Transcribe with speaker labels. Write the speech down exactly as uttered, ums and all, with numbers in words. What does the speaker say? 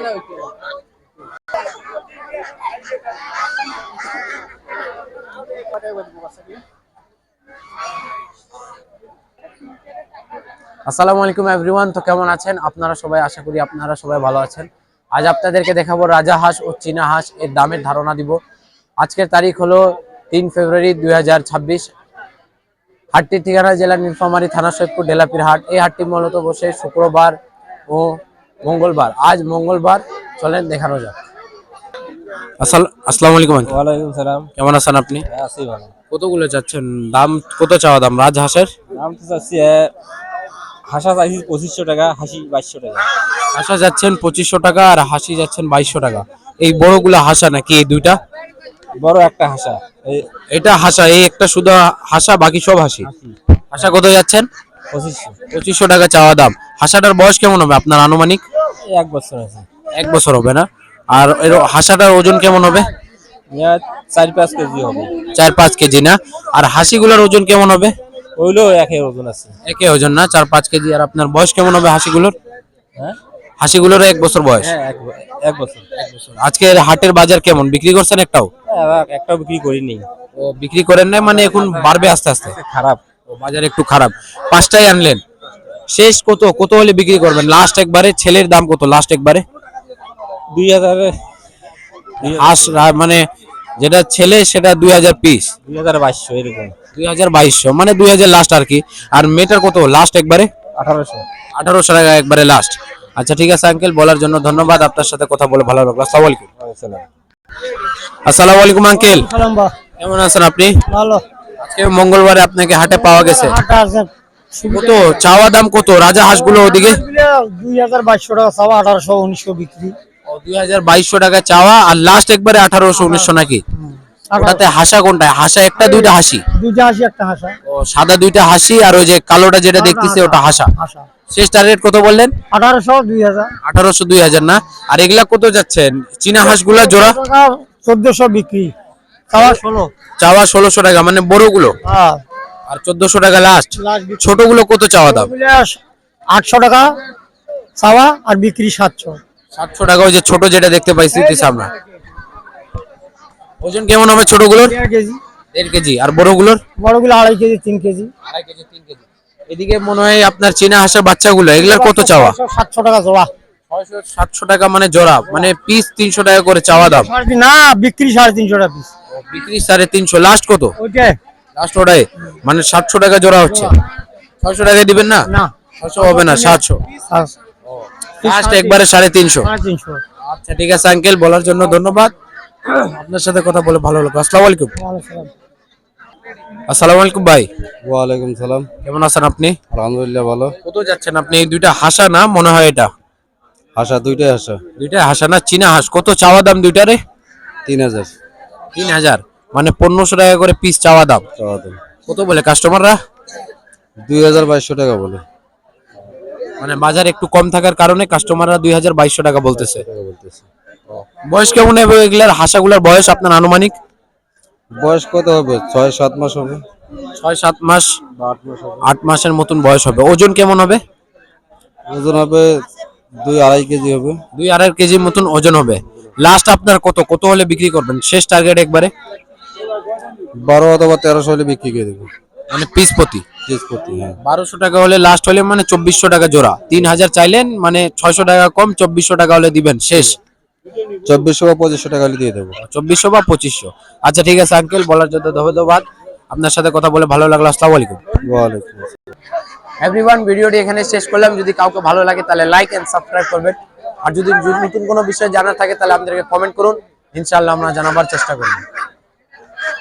Speaker 1: আসসালামু আলাইকুম এভরিওয়ান। তো কেমন আছেন আপনারা সবাই? আশা করি আপনারা সবাই ভালো আছেন। আজ আপনাদেরকে দেখাবো রাজা হাঁস ও চীনা হাঁস এর দামের ধারণা দিব। আজকের তারিখ হলো তিন ফেব্রুয়ারি দুই হাজার ছাব্বিশ। হাটটির ঠিকানা জেলা নীলফামারী, থানা সৈয়দপুর, ডেলাপির হাট। এই হাটটি মূলত বসে শুক্রবার ও মঙ্গলবার। আজ মঙ্গলবার, চলেন দেখানো যাক। আসসালামু আলাইকুম।
Speaker 2: ওয়ালাইকুম সালাম।
Speaker 1: কেমন আছেন আপনি?
Speaker 2: আছি ভালো।
Speaker 1: কতগুলো চাচ্ছেন? দাম কত চাওয়া দাম রাজ হাঁসের?
Speaker 2: দাম তো চাচ্ছি হাঁসা চাইছি পঁচিশশো টাকা, হাসি বাইশশো টাকা।
Speaker 1: হাঁসা যাচ্ছেন পঁচিশশো টাকা আর হাসি যাচ্ছেন বাইশশো টাকা। এই বড়গুলা হাঁসা নাকি এই দুইটা?
Speaker 2: বড় একটা হাঁসা,
Speaker 1: এটা হাঁসা, এই একটা শুধু হাঁসা, বাকি সব হাসি। হাঁসা কত যাচ্ছেন?
Speaker 2: পঁচিশশো
Speaker 1: পঁচিশশো টাকা চাওয়া দাম। হাঁসাটার বয়স কেমন হবে আপনার আনুমানিক?
Speaker 2: এক বছর আছে।
Speaker 1: এক বছর হবে না? আর এর হাঁসাটার ওজন কেমন হবে?
Speaker 2: চার পাঁচ কেজি হবে।
Speaker 1: চার পাঁচ কেজি না? আর হাসিগুলোর ওজন কেমন হবে?
Speaker 2: ওইলো একই ওজন আছে।
Speaker 1: একই ওজন না, চার পাঁচ কেজি। আর আপনার বয়স কেমন হবে হাসিগুলোর?
Speaker 2: হ্যাঁ,
Speaker 1: হাসিগুলোর এক বছর বয়স।
Speaker 2: হ্যাঁ এক বছর।
Speaker 1: আজকে হাটের বাজার কেমন? বিক্রি করছেন একটাও?
Speaker 2: একটাও বিক্রি করিনি।
Speaker 1: ও বিক্রি করেন নাই, মানে এখন বাড়বে আস্তে আস্তে?
Speaker 2: খারাপ,
Speaker 1: বাজার একটু খারাপ। পাঁচটাই আনলেন, শেষ কত কত হলে বিক্রি করবেন লাস্ট একবারে? ছেলের দাম কত লাস্ট একবারে?
Speaker 2: দুই হাজার।
Speaker 1: হাঁস মানে যেটা ছেলে সেটা দুই হাজার পিস,
Speaker 2: দুই হাজার বাইশশো এরকম।
Speaker 1: দুই হাজার বাইশশো মানে দুই হাজার লাস্ট আর কি। আর মেয়েটার কত লাস্ট একবারে?
Speaker 2: আঠারোশো।
Speaker 1: আঠারোশো টাকা একবারে লাস্ট। আচ্ছা ঠিক আছে আঙ্কেল, বলার জন্য ধন্যবাদ। আপনার সাথে কথা বলে ভালো লাগলো। আসসালামু আলাইকুম। আসসালামু আলাইকুম আঙ্কেল, কেমন আছেন আপনি?
Speaker 3: ভালো।
Speaker 1: আজকে মঙ্গলবারে আপনাকে হাটে পাওয়া গেছে। কত চাওয়া দাম কত রাজা হাঁসগুলো ওদিকে?
Speaker 3: দুই হাজার বাইশশো টাকা চাওয়া, আঠারোশো উনিশশো বিক্রি।
Speaker 1: দুই হাজার বাইশশো টাকা চাওয়া আর লাস্ট একবারে আঠারোশো উনিশশো নাকি? ওটাতে হাসা কোনটা? হাসা একটা দুইটা হাসি?
Speaker 3: দুইটা হাসি, একটা হাসা।
Speaker 1: ও সাদা দুইটা হাসি, আর ওই যে কালোটা যেটা দেখতেছি ওটা হাসা। শেষ টার্গেট কত বললেন?
Speaker 3: আঠারোশো দুই হাজার।
Speaker 1: আঠারোশো দুই হাজার না? আর এগুলা কত যাচ্ছেন চীনা হাঁসগুলা জোড়া?
Speaker 3: চোদ্দশো বিক্রি, চাওয়া ষোলো।
Speaker 1: চাওয়া ষোলোশো টাকা মানে বড়গুলো, আর চোদ্দশো টাকা লাস্ট। ছোটগুলো কত চাওয়া দাম?
Speaker 3: আটশো টাকা চাওয়া আর বিক্রি সাতশো।
Speaker 1: সাতশো টাকা। ওই যে ছোট যেটা দেখতে পাইছি আমরা, ওজন কেমন হবে ছোটগুলোর?
Speaker 3: দেড় কেজি।
Speaker 1: দেড় কেজি। আর বড়গুলোর?
Speaker 3: বড়গুলো আড়াই কেজি, তিন কেজি।
Speaker 1: আড়াই কেজি, তিন কেজি। এদিকে মনে হয় আপনার চীনা হাঁসের বাচ্চাগুলো, এগুলার কত চাওয়া?
Speaker 3: সাতশো টাকা জোড়া।
Speaker 1: ছয়শো সাতশো টাকা মানে জোড়া, মানে পিস তিনশো টাকা করে চাওয়া দাম
Speaker 3: না, বিক্রি সাড়ে তিনশো টাকা পিস।
Speaker 1: বিক্রি সাড়ে তিনশো। লাস্ট কত?
Speaker 3: ওইটাই
Speaker 1: লাস্ট ওটাই, মানে সাতশো টাকা জোড়া হচ্ছে। ছয়শো টাকায় দিবেন না?
Speaker 3: না,
Speaker 1: ছয়শো হবে না, সাতশো লাস্ট একবারে সাড়ে তিনশো। আচ্ছা ঠিক আছে আঙ্কেল, বলার জন্য ধন্যবাদ। আপনার সাথে কথা বলে ভালো লাগলো। আসসালামু আলাইকুম। আসসালামু আলাইকুম ভাই।
Speaker 2: ওয়ালাইকুম সালাম।
Speaker 1: কেমন আছেন আপনি?
Speaker 2: আলহামদুলিল্লাহ ভালো।
Speaker 1: কত যাচ্ছেন আপনি? এই দুইটা হাসা না মনে হয়? এটা
Speaker 2: হাঁসা, দুইটাই হাঁসা।
Speaker 1: দুইটা হাসা না চীনা হাঁস? কত চাওয়া দাম দুইটারে?
Speaker 2: তিন হাজার।
Speaker 1: তিন হাজার মানে পনেরোশো টাকা করে পিস চাওয়া দাম।
Speaker 2: চাওয়া দাম
Speaker 1: কত বলে কাস্টমাররা?
Speaker 2: দুই হাজার বাইশশো টাকা বলে।
Speaker 1: মানে বাজার একটু কম থাকার কারণে কাস্টমাররা দুই হাজার বাইশশো টাকা বলতেছে।
Speaker 2: বলতেছে।
Speaker 1: বয়স কেমন হবে এগুলার হাঁসাগুলার বয়স আপনার আনুমানিক?
Speaker 2: বয়স কত হবে? ছয় সাত মাস হবে।
Speaker 1: ছয় সাত মাস
Speaker 2: বা আট মাস হবে।
Speaker 1: আট মাসের মতন বয়স হবে। ওজন কেমন হবে?
Speaker 2: ওজন হবে দুই আড়াই কেজি হবে।
Speaker 1: দুই আড়াই কেজির মতন ওজন হবে। লাস্ট আপনার কত কত হলে বিক্রি করবেন? শেষ টার্গেট একবারে
Speaker 2: বারো অথবা তেরোশো হলে বিক্রি করে দেবো।
Speaker 1: মানে পিস প্রতি?
Speaker 2: পিস প্রতি, হ্যাঁ।
Speaker 1: বারোশো টাকা হলে লাস্ট হলে মানে চব্বিশশো টাকা জোড়া। তিন হাজার চাইলেন, মানে ছয়শো টাকা কম, চব্বিশশো টাকা হলে দিবেন শেষ।
Speaker 2: চব্বিশশো বা পঁচিশশো টাকা হলে দিয়ে দেবো।
Speaker 1: চব্বিশশো বা পঁচিশশো। আচ্ছা ঠিক আছে আঙ্কেল, বলার জন্য ধন্যবাদ। আপনার সাথে কথা বলে ভালো লাগলো। আসসালামু আলাইকুম।
Speaker 2: ওয়ালাইকুম
Speaker 1: এভরিওয়ান, ভিডিওটি এখানে শেষ করলাম। যদি কাউকে ভালো লাগে তাহলে লাইক এন্ড সাবস্ক্রাইব করবেন। আর যদি নতুন কোনো বিষয় জানার থাকে তাহলে আমাদেরকে কমেন্ট করুন, ইনশাআল্লাহ আমরা জানাবার চেষ্টা করব।